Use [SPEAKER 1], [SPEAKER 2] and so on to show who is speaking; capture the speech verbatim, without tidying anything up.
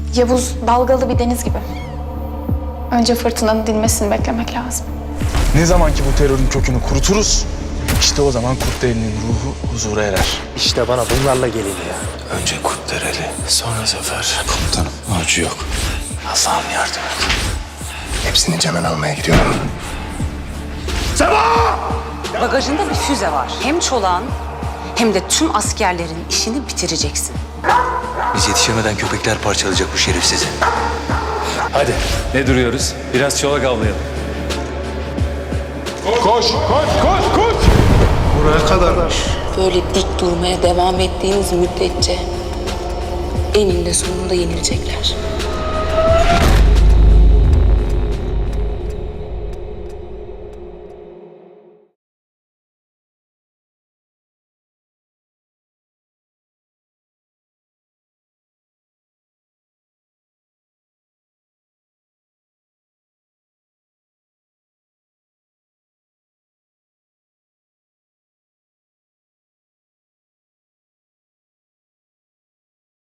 [SPEAKER 1] Yavuz dalgalı bir deniz gibi. Önce fırtınanın dinmesini beklemek lazım.
[SPEAKER 2] Ne zaman ki bu terörün kökünü kuruturuz, işte o zaman Kurtdereli'nin ruhu huzura erer.
[SPEAKER 3] İşte bana bunlarla gelin ya.
[SPEAKER 4] Önce Kurtdereli, sonra Zafer. Komutanım, avcı yok. Allah'ım yardım et. Hepsini Cemen almaya gidiyorum.
[SPEAKER 5] Bagajında bir füze var. Hem çolağın hem de tüm askerlerin işini bitireceksin.
[SPEAKER 4] Biz yetişemeden köpekler parçalayacak bu şerefsizi.
[SPEAKER 6] Hadi ne duruyoruz? Biraz çolak avlayalım.
[SPEAKER 7] Böyle dik durmaya devam ettiğiniz müddetçe eninde sonunda yenilecekler.